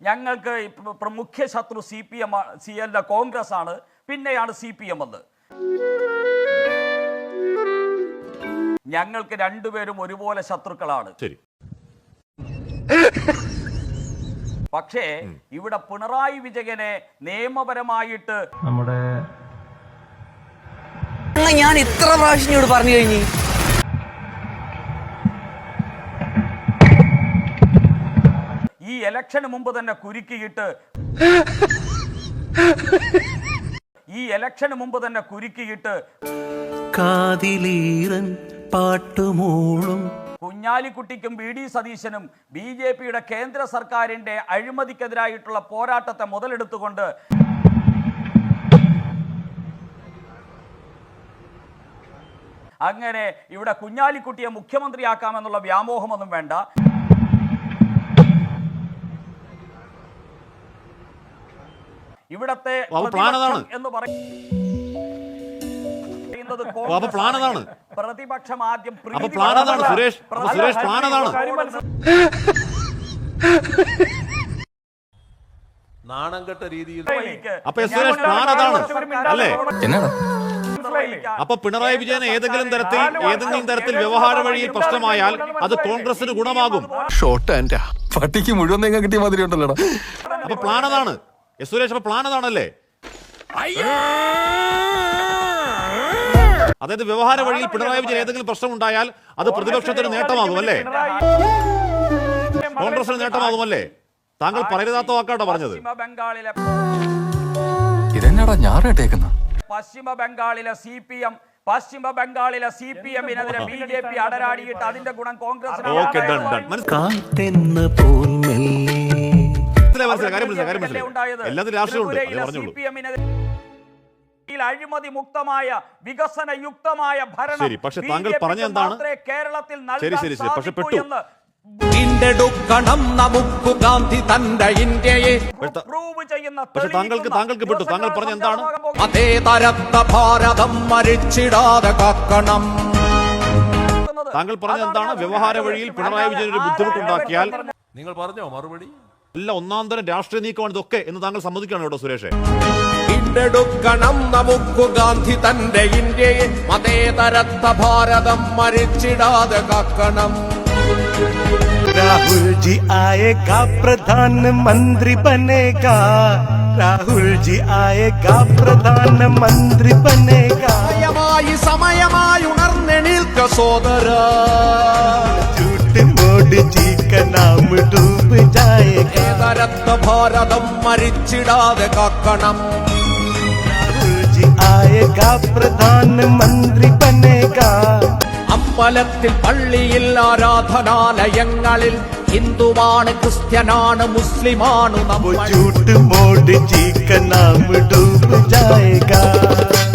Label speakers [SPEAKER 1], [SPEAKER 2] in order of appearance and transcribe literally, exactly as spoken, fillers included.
[SPEAKER 1] ഞങ്ങൾക്ക് മുഖ്യ ശത്രു C P M C L Congress ആണ്, പിന്നെയാണ് സി പി എം എന്ന്. ഞങ്ങൾക്ക് രണ്ടുപേരും ഒരുപോലെ ശത്രുക്കളാണ്. പക്ഷേ ഇവിടെ പിണറായി വിജയനെ നിയമപരമായിട്ട്
[SPEAKER 2] നമ്മുടെ
[SPEAKER 3] ഞാൻ ഇത്ര പ്രാവശ്യം പറഞ്ഞു കഴിഞ്ഞു.
[SPEAKER 1] ഈ ഇലക്ഷന് മുമ്പ് തന്നെ കുരുക്കിയിട്ട് ഈ ഇലക്ഷന് മുമ്പ് തന്നെ കുരുക്കിയിട്ട്
[SPEAKER 4] കാതിലീറൻ പാട്ടുമൂളും
[SPEAKER 1] കുഞ്ഞാലിക്കുട്ടിക്കും ബി ഡി സതീശനും ബി ജെ പിയുടെ കേന്ദ്ര സർക്കാരിന്റെ അഴിമതിക്കെതിരായിട്ടുള്ള പോരാട്ടത്തെ മുതലെടുത്തുകൊണ്ട് അങ്ങനെ ഇവിടെ കുഞ്ഞാലിക്കുട്ടിയെ മുഖ്യമന്ത്രിയാക്കാമെന്നുള്ള വ്യാമോഹമൊന്നും വേണ്ട. ഇവിടത്തെ എന്ന് പറയുന്നത് പ്രതിപക്ഷം ആദ്യം
[SPEAKER 5] നാണംകെട്ട രീതിയിൽ
[SPEAKER 6] അപ്പൊ പിണറായി വിജയൻ ഏതെങ്കിലും തരത്തിൽ ഏതെങ്കിലും തരത്തിൽ വ്യവഹാര വഴിയിൽ പ്രശ്നമായാൽ അത് കോൺഗ്രസിന് ഗുണമാകും.
[SPEAKER 7] ഷോർട്ട് ആൻഡ് പട്ടിക്ക് മുഴുവൻ തേങ്ങ കിട്ടിയ മാതിരി ഉണ്ടല്ലോ.
[SPEAKER 6] അപ്പൊ പ്ലാൻ അതാണ് എസ് സുരേഷ്, അപ്പൊ പ്ലാൻ അതാണല്ലേ? അതായത് വ്യവഹാര വഴിയിൽ പിണറായി വിജയൻ ഏതെങ്കിലും പ്രശ്നം ഉണ്ടായാൽ അത് പ്രതിപക്ഷത്തിന് നേട്ടമാകും അല്ലേ, കോൺഗ്രസിന് നേട്ടമാകുമല്ലേ? താങ്കൾ പറയരുതാത്ത വാക്കാട്ടോ പറഞ്ഞത്.
[SPEAKER 1] ബംഗാളിലെ
[SPEAKER 7] ഇതെന്നാടാ ഞാറേട്ടേക്കുന്ന
[SPEAKER 1] പശ്ചിമ ബംഗാളിലെ സി പി എം പശ്ചിമ ബംഗാളിലെ സി പി എമ്മിനെതിരെ ബി ജെ പി അടരാടിയിട്ട് അതിന്റെ ഗുണം കോൺഗ്രസിന്. അഴിമതി മുക്തമായ വികസന യുക്തമായ ഭരണം കേരളത്തിൽ
[SPEAKER 5] നമുക്ക് ഗാന്ധി തന്റെ ഇന്ത്യയെ
[SPEAKER 1] പ്രൂവ് ചെയ്യുന്ന
[SPEAKER 6] താങ്കൾക്ക് താങ്കൾക്ക് പെട്ടു. താങ്കൾ പറഞ്ഞ എന്താണ്?
[SPEAKER 5] അതേതരത്ത ഭാരതം മരിച്ചിടാതെ കാക്കണം.
[SPEAKER 6] താങ്കൾ പറഞ്ഞ എന്താണ്? വ്യവഹാര വഴിയിൽ പിണറായി വിജയൻ ഒരു ബുദ്ധിമുട്ടുണ്ടാക്കിയാൽ
[SPEAKER 5] നിങ്ങൾ പറഞ്ഞോ മറുപടി?
[SPEAKER 6] അല്ല, ഒന്നാം തരം രാഷ്ട്രീയ നീക്കമാണ് ഇതൊക്കെ എന്ന് താങ്കൾ സമ്മതിക്കുകയാണ് കേട്ടോ സുരേഷ്.
[SPEAKER 5] വീണ്ടെടുക്കണം നമുക്ക് ഗാന്ധി തന്റെ ഇന്ത്യയെ, മതേതരത്ത ഭാരതം മരിച്ചിടാതെ കാക്കണം.
[SPEAKER 4] राहुल जी आएगा प्रधानमंत्री बनेगा, राहुल जी आएगा प्रधानमंत्री बनेगा.
[SPEAKER 5] സമയമായി സമയമായി ഉണർന്നെണീൽക്ക സോദര,
[SPEAKER 4] झूठ मोदी जी का नाम डूब जाएगा.
[SPEAKER 5] മതേതരത്ത ഭാരതം മരിച്ചിടാതെ കാക്കണം.
[SPEAKER 4] राहुल जी आएगा प्रधानमंत्री बनेगा.
[SPEAKER 5] അമ്പലത്തിൽ പള്ളിയിൽ ആരാധനാലയങ്ങളിൽ ഹിന്ദുവാണ് ക്രിസ്ത്യനാണ് മുസ്ലിമാണ് നമ്മൾ.
[SPEAKER 4] झूठ मोदी जी का नाम डूब जाएगा.